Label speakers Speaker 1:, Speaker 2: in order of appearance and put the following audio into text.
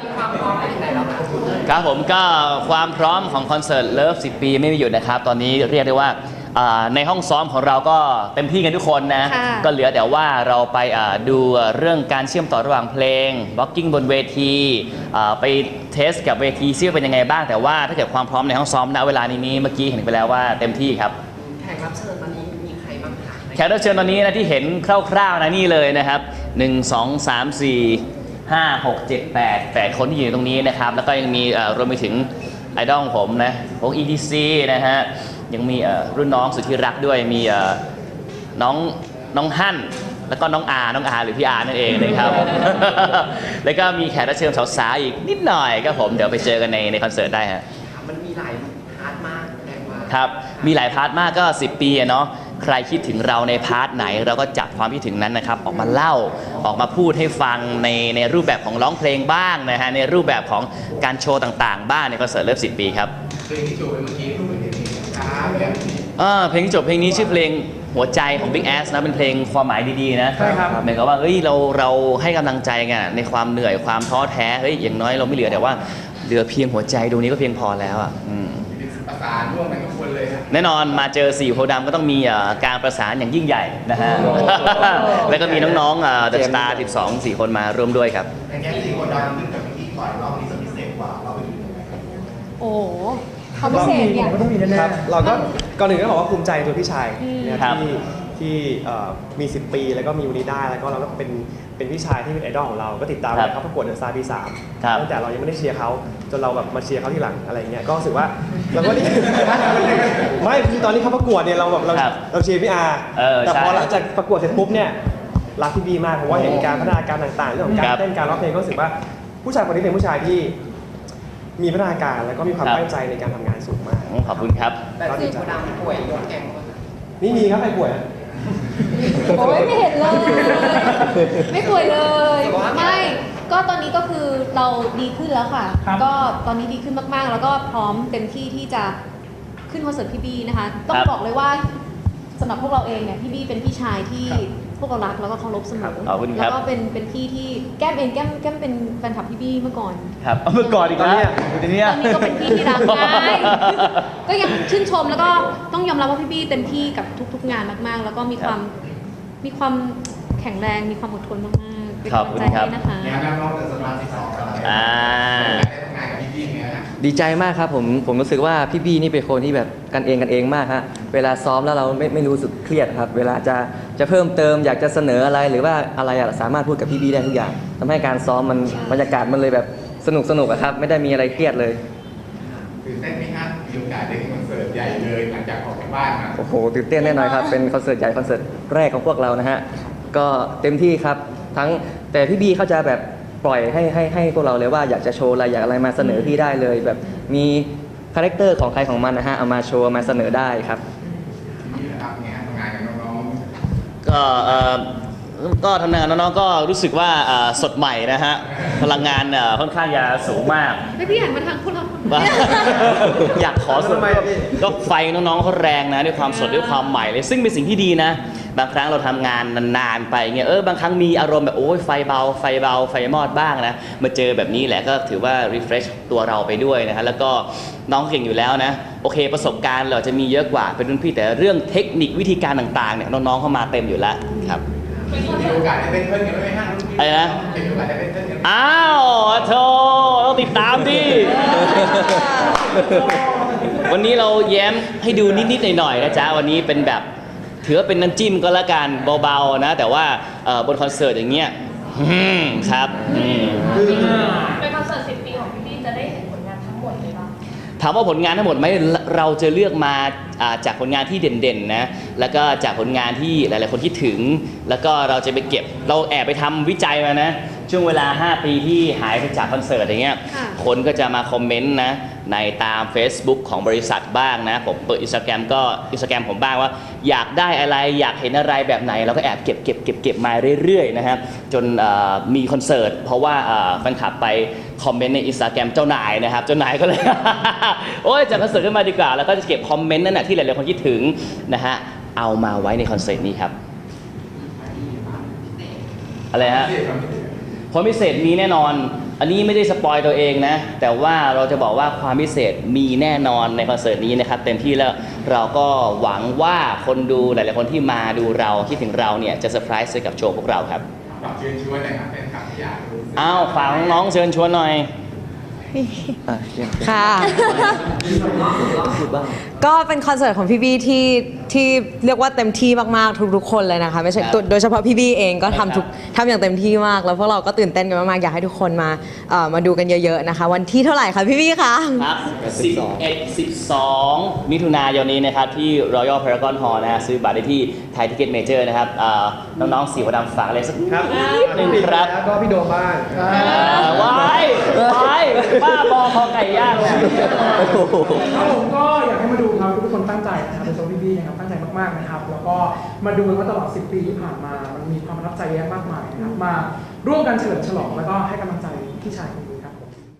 Speaker 1: ความพร้อมเป็นยังไงแล้วคะ
Speaker 2: ครับผมก็ความพร้อมของคอนเสิร์ตเลิฟ10 ปีไม่มีหยุดนะครับตอนนี้เรียกได้ว่าในห้องซ้อมของเราก็เต็มที่กันทุกคนนะก็เหลือแต่ว่าเราไปดูเรื่องการเชื่อมต่อระหว่างเพลงบล็อกกิ้งบนเวทีไปเทสกับเวทีซิว่าเป็นยังไงบ้างแต่ว่าถ้าเกิดความพร้อมในห้องซ้อมณเวลานี้เมื่อกี้เห็นไปแล้วว่าเต็มที่ครับ
Speaker 1: แขกรับเชิญตอนนี้มีใครบ้างคะ
Speaker 2: แขกรับเชิญตอนนี้นะที่เห็นคร่าวๆนะนี่เลยนะครับ1 2 3 4 5 6 7 8คนที่อยู่ตรงนี้นะครับแล้วก็ยังมีรวมไปถึงไอดอลของผมนะพวก EDC นะฮะยังมีรุ่นน้องสุดที่รักด้วยมีน้องฮั่นแล้วก็น้องอาหรือพี่อานั่นเองนะครับ แล้วก็มีแขกรับเชิญสาวๆอีกนิดหน่อยก็ผมเดี๋ยวไปเจอกันในคอนเสิร์ตได้ฮะ
Speaker 1: มันมีหลายพาร์ทมากแรงมาก
Speaker 2: ครับมีหลายพาร์ทมากก็10 ปีเนาะใครคิดถึงเราในพาร์ทไหนเราก็จับความคิดถึงนั้นนะครับออกมาเล่าออกมาพูดให้ฟังในรูปแบบของร้องเพลงบ้างนะฮะในรูปแบบของการโชว์ต่างๆบ้างในคอนเสิร์ตเลิฟ10 ปีครับ
Speaker 3: เพลงที่โชว์ไปเมื่อกี้รูปเป็นเพลงนี้ครับ
Speaker 2: เพลงที่จบเพลงนี้ชื่อเพลงหัวใจของ Big Ass นะเป็นเพลงความหมายดีๆนะ
Speaker 3: ใช่ครับ
Speaker 2: หมายความว่าเฮ้ยเราให้กำลังใจกันในความเหนื่อยความท้อแท้เฮ้ยอย่างน้อยเราไม่เหลือแต่ว่าเหลือเพียงหัวใจดวงนี้ก็เพียงพอแล้วอ่ะ
Speaker 3: ประสานร่วมกันทุกคนเลยครับ
Speaker 2: แน่นอนมาเจอ4โพธิ์ดำก็ต้องมีการประสานอย่างยิ่งใหญ่นะฮะแล้วก็มีน้องๆThe Star 12 4 คนมาร่วมด้วยครับ
Speaker 3: แต่แค่4 คนดำขึ้นกับพิธีก่อนรอบนี้จะพิเศษกว่าเราไปดูยังไง
Speaker 4: โอ้ความพิเศษเนี่ย
Speaker 5: ก็ต้องมีแน่ๆเราก็ก่อนหนึ่งก็บอกว่าภูมิใจตัวพี่ชายที่มี10 ปีแล้วก็มีวันนี้ได้แล้วก็เราก็เป็นพี่ชายที่เป็นไอดอลของเราก็ติดตามเขาประกวดเดอะสตาร์ปี3ตั้งแต่เรายังไม่ได้เชียร์เขาจนเราแบบมาเชียร์เขาทีหลังอะไรเงี้ยก็รู้สึกว่าเราก็ไม่คือตอนนี้เขาประกวดเนี่ยเราแบบเราเชียร์พี่อาแต่พอหลังจากประกวดเสร็จปุ๊บเนี่ยรักพี่บีมากเพราะว่าเห็นการพัฒนาการต่างๆเรื่องของการเต้นการร้องเพลงก็รู้สึกว่าผู้ชายคนนี้เป็นผู้ชายที่มีพัฒนาการแล้วก็มีความตั้งใจในการทำงานสูงมาก
Speaker 2: ขอบคุณครับ
Speaker 1: แต่4 คนดำป่วยยกแกง
Speaker 5: นี่มีครับใครป่วย
Speaker 4: โอ้ยไม่เห็นเลยไม่ป่วยเลยไม่ก็ตอนนี้ก็คือเราดีขึ้นแล้วค่ะก็ตอนนี้ดีขึ้นมากๆแล้วก็พร้อมเต็มที่ที่จะขึ้นคอนเสิร์ตพี่บี้นะคะต้องบอกเลยว่าสำหรับพวกเราเองเนี่ยพี่บี้เป็นพี่ชายที่พวกเรารักแล้วก็เคารพเสมอแล้วก็เป็นพี่ที่แก้มเป็นแฟนคลับพี่บี้เมื่อก่อน
Speaker 2: ครับเมื่อก่อนอีกแล้ว
Speaker 4: ตอนนี้ก็เป็นพี่ที่รักไงก็ยังชื่นชมแล้วก็ต้องยอมรับว่าพี่บี้เต็มที่กับทุกๆงานมากๆแล้วก็มีความแข็งแรงมีความอดทนมากๆเป็นกำลังใจให้นะคะ
Speaker 3: งานน้องๆเดอะสตาร์12อะไรได้ทำงานกับพี่ๆเนี่ย
Speaker 6: ดีใจมากครับผมรู้สึกว่าพี่บี้นี่เป็นคนที่แบบกันเองมากฮะเวลาซ้อมแล้วเราไม่รู้สึกเครียดครับเวลาจะเพิ่มเติมอยากจะเสนออะไรหรือว่าอะไรสามารถพูดกับพี่บี้ได้ทุกอย่างทำให้การซ้อมมันบรรยากาศมันเลยแบบสนุกครับไม่ได้มีอะไรเครียดเลย
Speaker 3: ตื่นเต้นไหมครับมีโอกาสได้คอนเสิร์ตใหญ่เลยหลังจากออกจากบ้านมา
Speaker 6: โอ้โหตื่นเต้นแน่นอนครับเป็นคอนเสิร์ตใหญ่คอนเสิร์ตแรกของพวกเรานะฮะก็เต็มที่ครับแต่พี่บี้เขาจะแบบปล่อยให้พวกเราเลยว่าอยากจะโชว์อะไรอยากอะไรมาเสนอพี่ได้เลยแบบมีคาแรคเตอร์ของใครของมันนะฮะเอามาโชว์มาเสนอได้ครับ
Speaker 3: นี่นะครับงานทำงานกับน้อง
Speaker 2: ๆก็ทำงานกับน้องๆก็รู้สึกว่าสดใหม่นะฮะพลังงานค่อนข้างจะสูงมาก
Speaker 4: ไม่พี่หันมาทางพวกเรา
Speaker 2: อยากขอสดก็ไฟน้องๆเขาแรงนะด้วยความสดด้วยความใหม่เลยซึ่งเป็นสิ่งที่ดีนะบางครั้งเราทำงานนานๆไปเงี้ยบางครั้งมีอารมณ์แบบโอ้ยไฟเบาไฟมอดบ้างนะมาเจอแบบนี้แหละก็ถือว่า refresh ตัวเราไปด้วยนะฮะแล้วก็น้องเก่งอยู่แล้วนะโอเคประสบการณ์เราจะมีเยอะกว่าเป็นรุ่นพี่แต่เรื่องเทคนิควิธีการต่างๆเนี่ยน้องๆเข้ามาเต็มอยู่แล้วครับ
Speaker 3: มีโอกาสได้เป็นเพื่อนกันไหมฮะ
Speaker 2: อะไรนะ
Speaker 3: มีโอกาสได้เป็นเพื่อนกัน
Speaker 2: อ้าวโธ่ต้องติดตามดิวันนี้เราแย้มให้ดูนิดๆหน่อยๆนะจ๊ะวันนี้เป็นแบบถือว่าเป็นน้ำจิ้มก็แล้วกันเบาๆนะแต่ว่าบนคอนเสิร์ตอย่างเงี้ยครับ
Speaker 4: เป็นคอนเสิร์ต10 ปีของพี่บี้จะได้เห็นผลงานทั้งหมดเลยป่ะ
Speaker 2: ถามว่าผลงานทั้งหมดไหมเราจะเลือกมาจากผลงานที่เด่นๆนะแล้วก็จากผลงานที่หลายๆคนคิดถึงแล้วก็เราจะไปเก็บเราแอบไปทำวิจัยมานะช่วงเวลา5 ปีที่หายไปจากคอนเสิร์ตอย่างเงี้ยคนก็จะมาคอมเมนต์นะในตาม Facebook ของบริษัทบ้างนะผมเปิด Instagram ผมบ้างว่าอยากได้อะไรอยากเห็นอะไรแบบไหนเราก็แอบเก็บมาเรื่อยๆนะครับจนมีคอนเสิร์ตเพราะว่าแฟนคลับไปคอมเมนต์ใน Instagram เจ้านายนะครับเจ้านายก็เลย โอ้ยจัดคอนเสิร์ตขึ้นมาดีกว่าแล้วก็จะเก็บคอมเมนต์นั่นแหละที่หลายๆคนคิดถึงนะฮะเอามาไว้ในคอนเสิร์ตนี้ครับอะไรฮะความพิเศษมีแน่นอนอันนี้ไม่ได้สปอยตัวเองนะ แต่ว่าเราจะบอกว่าความพิเศษมีแน่นอนในคอนเสิร์ตนี้นะครับเต็มที่แล้วเราก็หวังว่าคนดูหลายๆคนที่มาดูเราคิดถึงเราเนี่ยจะเซอร์ไพรส์กับโชว์พวกเราครับ
Speaker 3: ฝากเชิญชวนหน่อยครับแฟนคลับที่อยากรู้สึก
Speaker 2: อ้าวฝากน้องๆเชิญชวนหน่อย
Speaker 7: ค่ะ
Speaker 6: พูดบ้าง
Speaker 7: ก็เป็นคอนเสิร์ตของพี่บี้ที่เรียกว่าเต็มที่มากๆทุกๆคนเลยนะคะไม่ใช่
Speaker 2: ครับ
Speaker 7: โดยเฉพาะพี่บี้เองก็
Speaker 2: ใช่ครับ
Speaker 7: ทำอย่างเต็มที่มาก แล้วพวกเราก็ตื่นเต้นกันมากๆอยากให้ทุกคนมาดูกันเยอะๆนะคะ วันที่เท่าไหร่คะพี่บี้คะ
Speaker 2: ครับ11-12 มิถุนายนนี้นะครับที่ Royal Paragon Hall นะฮะซื้อบัตรได้ที่ไทยทิเก็ตเมเจอร์นะครับน้องๆสีหัวดำฝากอะไรสักนิด
Speaker 5: ครับ
Speaker 2: หนึ่งครับ
Speaker 5: แล้วก็พี่โดมบ้าง
Speaker 2: ว้ายบ้าบอคอไก่ย่างเนี่ย
Speaker 8: ครับผมก็อยากให้มาดูครับทุกคนตั้งใจนะครับเป็นโซพี่บี้นะครับตั้งใจมากๆนะครับแล้วก็มาดูกันว่าตลอด 10 ปีที่ผ่านมามันมีความประทับใจเยอะมากมายนะครับมาร่วมกันเฉลิมฉลองแล้วก็ให้กำลังใจพี่ชายคนนี้